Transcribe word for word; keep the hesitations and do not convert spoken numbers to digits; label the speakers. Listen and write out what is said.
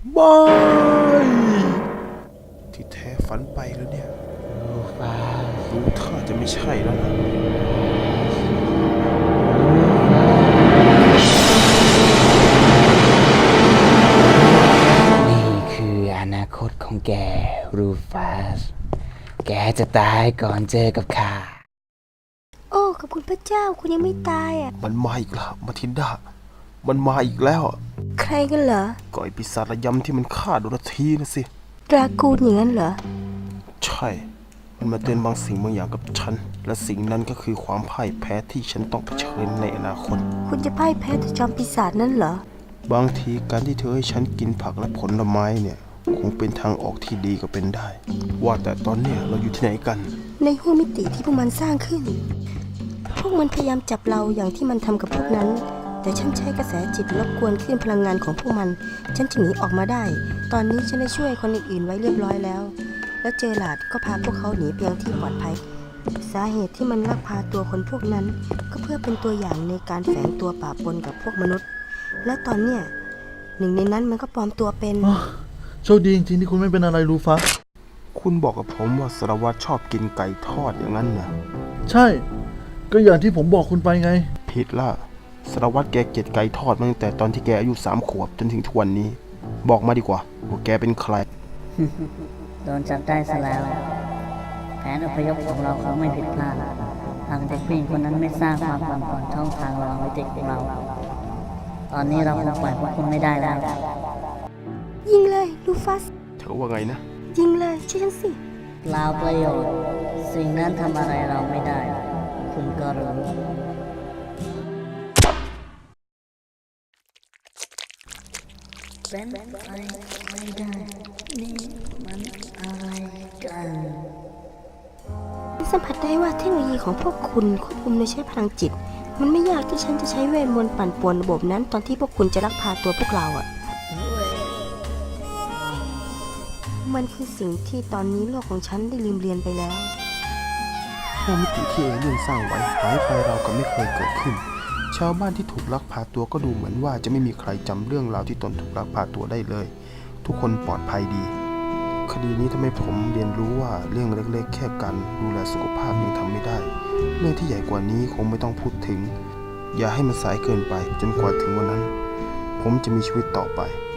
Speaker 1: ไม่ที่แท้ฝันไปแล้วเนี่ยรู้ท่าจะไม่ใช่แล้วนะ
Speaker 2: นี่คืออนาคตของแกรูฟัสแกจะตายก่อนเจอกับข้า
Speaker 3: โอ้ขอบคุณพระเจ้าคุณยังไม่ตายอ่ะ
Speaker 1: มันมาอีกแล้วมาทินดามันมาอีกแล้ว
Speaker 3: ใครกันเหรอ
Speaker 1: ก่อยปีศาจระยำที่มันฆ่าโดราธีนะสิ
Speaker 3: ดรากูนอย่างนั้นเหรอ
Speaker 1: ใช่มันมาเตือนบางสิ่งบางอย่างกับฉันและสิ่งนั้นก็คือความพ่ายแพ้ที่ฉันต้องเผชิญในอนาคต
Speaker 3: คุณจะพ่ายแพ้ต่อจอมปีศาจนั้นเหร
Speaker 1: อบางทีการที่เธอให้ฉันกินผักและผลไม้เนี่ยคงเป็นทางออกที่ดีก็เป็นได้ว่าแต่ตอนเนี้ยเราอยู่ที่ไหนกัน
Speaker 3: ในห้วงมิติที่พวกมันสร้างขึ้นพวกมันพยายามจับเราอย่างที่มันทำกับพวกนั้นแต่ฉันใช้กระแสจิตรบกวนคลื่นพลังงานของพวกมันฉันจึงหนีออกมาได้ตอนนี้ฉันได้ช่วยคนอื่นๆไว้เรียบร้อยแล้วและเจอหลาดก็พาพวกเขาหนีไปยังที่ปลอดภัยสาเหตุที่มันลักพาตัวคนพวกนั้นก็เพื่อเป็นตัวอย่างในการแฝงตัวปะปนกับพวกมนุษย์และตอนเนี้ยหนึ่งในนั้นมันก็ปลอมตัวเป็น
Speaker 4: โชคดีจริงๆที่คุณไม่เป็นอะไรรูฟัส
Speaker 1: คุณบอกกับผมว่าสารวัตรชอบกินไก่ทอดอย่างนั้นนะ
Speaker 4: ใช่ก็อย่างที่ผมบอกคุณไปไง
Speaker 1: ผิดละสารวัตรแกเกลียดไก่ทอดมาตั้งแต่ตอนที่แกอายุสามขวบจนถึงทุกวันนี้บอกมาดีกว่าว่าแกเป็นใคร
Speaker 5: โดนจับได้ซะแล้วแผนอพยพของเราคงไม่ผิดพลาดหากเด็กผู้หญิงคนนั้นไม่สร้างความปั่นป่วนช่องทางระหว่างวิถีของเรา ตอนนี้เราคงปล่อยพวกคุณไม่ได้แล้ว
Speaker 3: ยิงเลยลูฟัส
Speaker 1: เธอว่าไงนะ
Speaker 3: ยิงเลยเชื่อฉันสิ
Speaker 5: เปล่าประโยชน์สิ่งนั้นทำอะไรเราไม่ได้คุณก็รู้เป็นไปไม่ได้นี่มันอะไรกัน
Speaker 3: สัมผัสได้ว่าเทคโนโลยีของพวกคุณควบคุมโดยใช้พลังจิตมันไม่ยากที่ฉันจะใช้เวทมนต์ปั่นป่วนระบบนั้นตอนที่พวกคุณจะลักพาตัวพวกเราอ่ะมันคือสิ่งที่ตอนนี้โลกของฉันได้ลืมเรียนไปแล้ว
Speaker 1: ห้องมิติที่เอเลี่ยนสร้างไว้หายไปเราก็ไม่เคยเกิดขึ้นชาวบ้านที่ถูกลักพาตัวก็ดูเหมือนว่าจะไม่มีใครจำเรื่องราวที่ตนถูกลักพาตัวได้เลยทุกคนปลอดภัยดีคดีนี้ทำให้ผมเรียนรู้ว่าเรื่องเล็กๆแค่การดูแลสุขภาพยังทำไม่ได้เรื่องที่ใหญ่กว่านี้คงไม่ต้องพูดถึงอย่าให้มันสายเกินไปจนกว่าถึงวันนั้นผมจะมีชีวิตต่อไป